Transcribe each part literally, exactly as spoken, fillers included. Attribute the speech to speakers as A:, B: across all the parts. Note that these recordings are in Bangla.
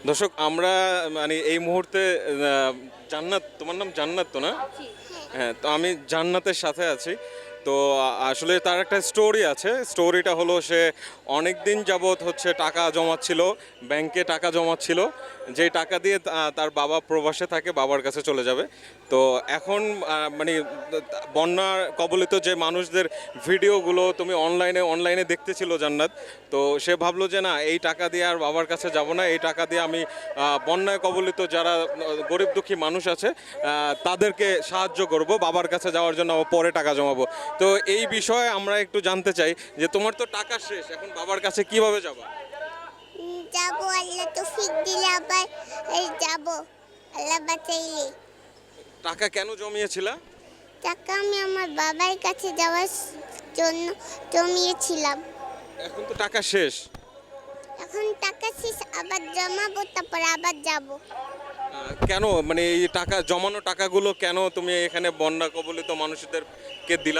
A: দর্শক আমরা মানে এই মুহূর্তে আহ, জান্নাত, তোমার নাম জান্নাত তো না? হ্যাঁ, তো আমি জান্নাতের সাথে আছি। তো আ- আসলে তার একটা স্টোরি আছে। স্টোরিটা হলো সে অনেক দিন যাবৎ হচ্ছে টাকা জমাচ্ছিল, ব্যাংকে টাকা জমাচ্ছিল, যেই টাকা দিয়ে তা- তার বাবা প্রবাসে থাকে, বাবার কাছে চলে যাবে। তো এখন আহ, মানে বন্যা কবলিত যে মানুষদের ভিডিওগুলো তুমি অনলাইনে অনলাইনে দেখতেছিল জান্নাত। তো সে ভাবলো যে না, এই টাকা দিয়ে আর বাবার কাছে যাব না, এই টাকা দিয়ে আমি আহ, বন্যায় কবলিত যারা আহ, গরিব দুঃখী মানুষ আছে আহ, তাদেরকে সাহায্য করব, বাবার কাছে যাওয়ার জন্য পরে টাকা জমাবো। তো এই বিষয়ে আমরা একটু জানতে চাই যে তোমার তো টাকা শেষ, এখন বাবার কাছে কিভাবে যাবা?
B: উম, যাবো আল্লাহ তৌফিক দিলে আবার এই যাবো আল্লাহ বাঁচাইলে।
A: টাকা কেন জমিয়েছিলা?
B: টাকা আমি আমার বাবার কাছে যাওয়ার স- জন্য জমিয়েছিলাম।
A: এখন তো টাকা শেষ।
B: এখন টাকা শেষ, আবার জমাবো, তারপর আবার যাবো।
A: আহ, কেন মানে এই টাকা জমানো টাকাগুলো কেন তুমি এখানে বন্যা কবলিত মানুষদেরকে দিলা?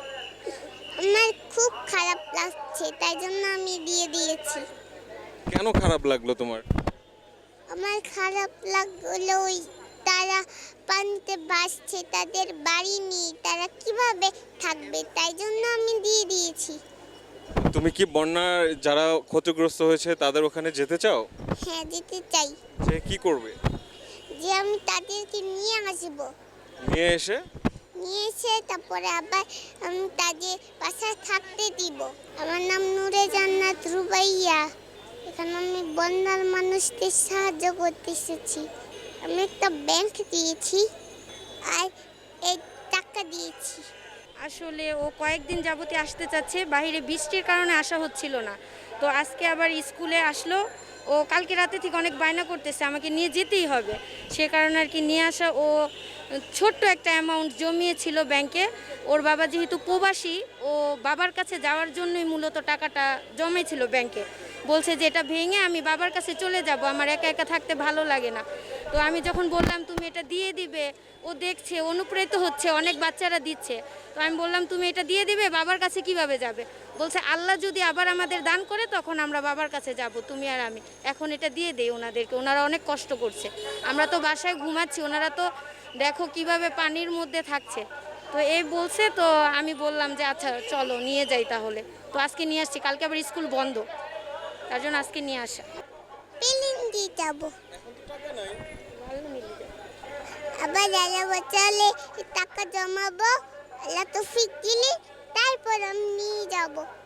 B: আমার খুব খারাপ লাগছে, তাই জন্য আমি দিয়ে দিয়েছি।
A: কেন খারাপ লাগলো তোমার?
B: আমার খারাপ লাগলো ওই তারা পানিতে ভাসছে, তাদের বাড়ি নেই, তারা কিভাবে থাকবে, তাই জন্য আমি দিয়ে দিয়েছি।
A: তুমি কি বন্যার যারা ক্ষতিগ্রস্ত হয়েছে তাদের ওখানে যেতে চাও?
B: হ্যাঁ, যেতে চাই।
A: যে কি করবে?
B: যে আমি তাদেরকে নিয়ে আসবো,
A: নিয়ে এসে
B: নিয়ে এসে তারপরে আবার আমি তাদের বাসায় থাকতে দিব। আমার নাম নূরে জান্নাত রুবাইয়া। এখানে আমি বন্যার মানুষদের সাহায্য করতে এসেছি। আমি একটা ব্যাংক দিয়েছি আর এই টাকা দিয়েছি।
C: আসলে ও কয়েকদিন যাবতীয় আসতে চাচ্ছে, বাইরে বৃষ্টির কারণে আসা হচ্ছিল না। তো আজকে আবার স্কুলে আসলো। ও কালকে রাতে থেকে অনেক বায়না করতেছে আমাকে নিয়ে যেতেই হবে, সে কারণে আর কি নিয়ে আসা। ও ছোট্ট একটা অ্যামাউন্ট জমিয়েছিল ব্যাংকে। ওর বাবা যেহেতু প্রবাসী, ও বাবার কাছে যাওয়ার জন্যই মূলত টাকাটা জমেছিল ব্যাংকে। বলছে যে এটা ভেঙে আমি বাবার কাছে চলে যাব, আমার একা একা থাকতে ভালো লাগে না। তো আমি যখন বললাম তুমি এটা দিয়ে দিবে, ও দেখছে অনুপ্রেরিত হচ্ছে, অনেক বাচ্চারা দিচ্ছে। তো আমি বললাম তুমি এটা দিয়ে দিবে, বাবার কাছে কিভাবে যাবে? বলছে আল্লাহ যদি আবার আমাদের দান করে তখন আমরা বাবার কাছে যাব, তুমি আর আমি। এখন এটা দিয়ে দেই ওনাদেরকে, ওনারা অনেক কষ্ট করছে। আমরা তো বাসায় ঘুমাচ্ছি, ওনারা তো দেখো কিভাবে পানির মধ্যে থাকছে। তো এই বলছে, তো আমি বললাম যে আচ্ছা চলো নিয়ে যাই তাহলে। তো আজকে নিয়ে আসছি, কালকে আবার স্কুল বন্ধ, তার জন্য আজকে নিয়ে আসা।
B: প্লেন দিয়ে যাবো,
A: এখন তো টাকা নাই।
B: আবার আল্লাহ বাঁচালে টাকা জমাবো, আল্লাহ তৌফিক দিলে তারপর আমি নিয়ে যাবো।